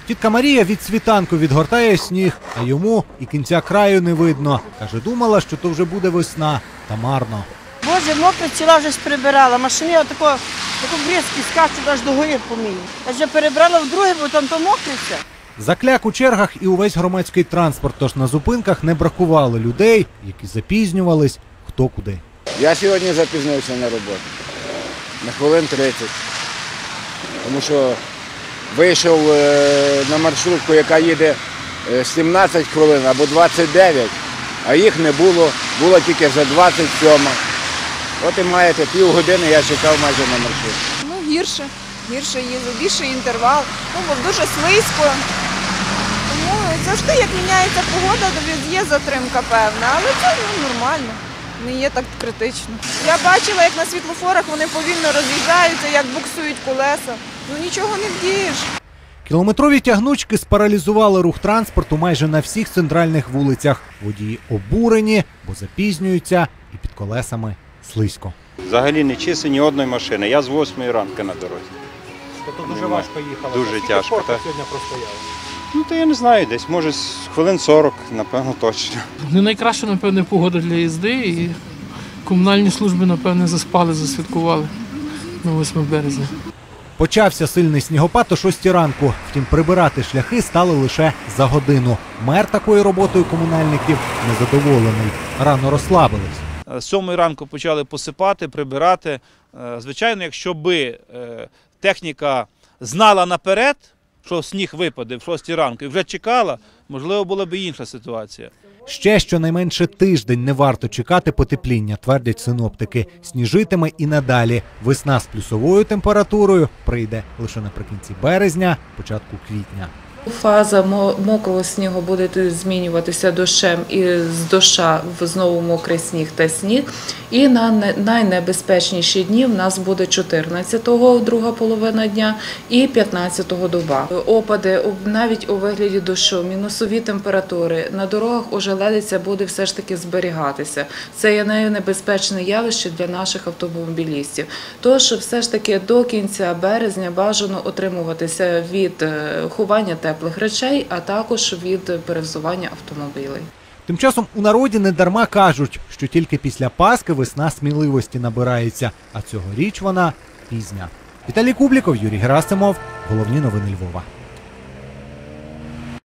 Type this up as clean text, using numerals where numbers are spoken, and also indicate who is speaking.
Speaker 1: Тітка Марія від світанку відгортає сніг, а йому і кінця краю не видно. Каже, думала, що то вже буде весна, та марно.
Speaker 2: Боже, мокре ціла вже прибирала. Машини отако бризки скачуть аж до гори по мені. Я вже перебрала в друге, бо там то мокре все.
Speaker 1: Закляк у чергах і увесь громадський транспорт, тож на зупинках не бракувало людей, які запізнювались хто куди.
Speaker 3: Я сьогодні запізнився на роботу. На хвилин 30. Тому що вийшов на маршрутку, яка їде 17 хвилин або 29, а їх не було, було тільки за 27. От і маєте півгодини, я чекав майже на маршрутку.
Speaker 4: Ну, гірше їздив, більший інтервал, бо дуже слизько. Тому завжди, як міняється погода, то є затримка певна, але це нормально, не є так критично. Я бачила, як на світлофорах вони повільно роз'їжджаються, як буксують колеса. Ну нічого не вдієш.
Speaker 1: Кілометрові тягнучки спаралізували рух транспорту майже на всіх центральних вулицях. Водії обурені, бо запізнюються і під колесами слизько.
Speaker 5: Взагалі не чисто ні одної машини. Я з 8 ранку на дорозі.
Speaker 1: Тобто дуже важко їхали?
Speaker 5: Дуже тяжко.
Speaker 1: Сьогодні простояли?
Speaker 5: Ну, то я не знаю, десь, може, хвилин 40, напевно, точно.
Speaker 6: Не найкраща, напевне, погода для їзди і комунальні служби, напевне, заспали, засвяткували на 8 березня.
Speaker 1: Почався сильний снігопад о 6 ранку, втім прибирати шляхи стали лише за годину. Мер такою роботою комунальників незадоволений, рано розслабились.
Speaker 7: З 7 ранку почали посипати, прибирати. Звичайно, якщо би техніка знала наперед, що сніг випаде в 6 ранку і вже чекала, можливо, була б інша ситуація.
Speaker 1: Ще щонайменше тиждень не варто чекати потепління, твердять синоптики. Сніжитиме і надалі. Весна з плюсовою температурою прийде лише наприкінці березня, початку квітня.
Speaker 8: Фаза мокрого снігу буде змінюватися дощем і з доща в знову мокрий сніг та сніг. І на найнебезпечніші дні в нас буде 14-го, друга половина дня, і 15-го доба. Опади навіть у вигляді дощу, мінусові температури. На дорогах ожеледиця буде все ж таки зберігатися. Це є найнебезпечне явище для наших автомобілістів. Тож все ж таки до кінця березня бажано утримуватися від ховання теплих речей, а також від перевзування автомобілів.
Speaker 1: Тим часом у народі недарма кажуть, що тільки після Пасхи весна сміливості набирається, а цьогоріч вона пізня. Віталій Кубліков, Юрій Герасимов. Головні новини Львова.